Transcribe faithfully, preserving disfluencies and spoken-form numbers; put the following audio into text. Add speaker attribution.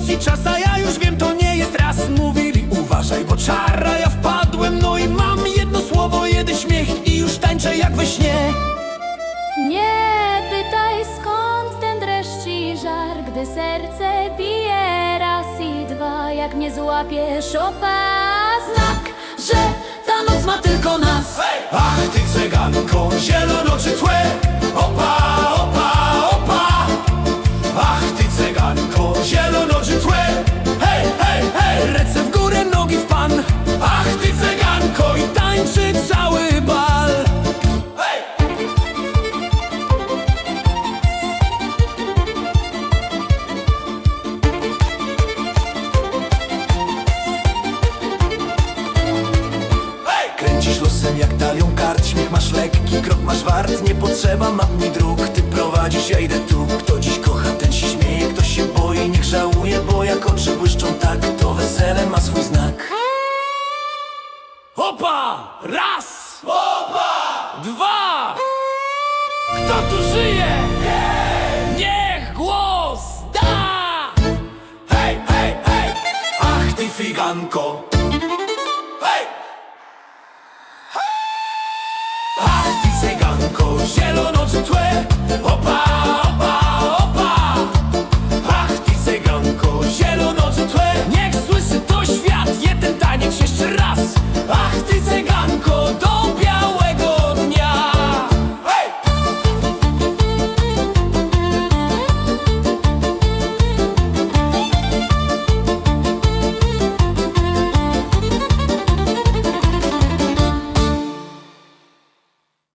Speaker 1: misji czas, a ja już wiem, to nie jest raz. Mówili uważaj, bo czara, ja wpadłem, no i mam jedno słowo, jeden śmiech i już tańczę jak we śnie.
Speaker 2: Nie pytaj skąd ten dreszcz i żar, gdy serce bije raz i dwa. Jak mnie złapiesz, opa, znak, że ta noc ma tylko nas.
Speaker 1: Hej! Ach ty cyganko, zielonoczy tłe, opa, opa, opa. Ach ty cyganko, zielonoczy tłe, hej, hej, hej. Ręce w górę, nogi w pan. Ach ty cyganko, i tańczy cały bal. Hej! Kręcisz losem jak talią kart, śmiech masz lekki, krok masz wart. Nie potrzeba map ni dróg, ty prowadzisz, ja idę tu. Kto dziś kocha, ten się śmieje, kto się boi, niech żałuje. Bo jak oczy błyszczą tak, to wesele ma swój znak. Opa! Raz! Opa! Dwa! Kto tu żyje? Niech głos da! Hej, hej, hej! Ach ty figanko! Hej! Ach ty cyganko, zielonoczy tłe, opa, opa.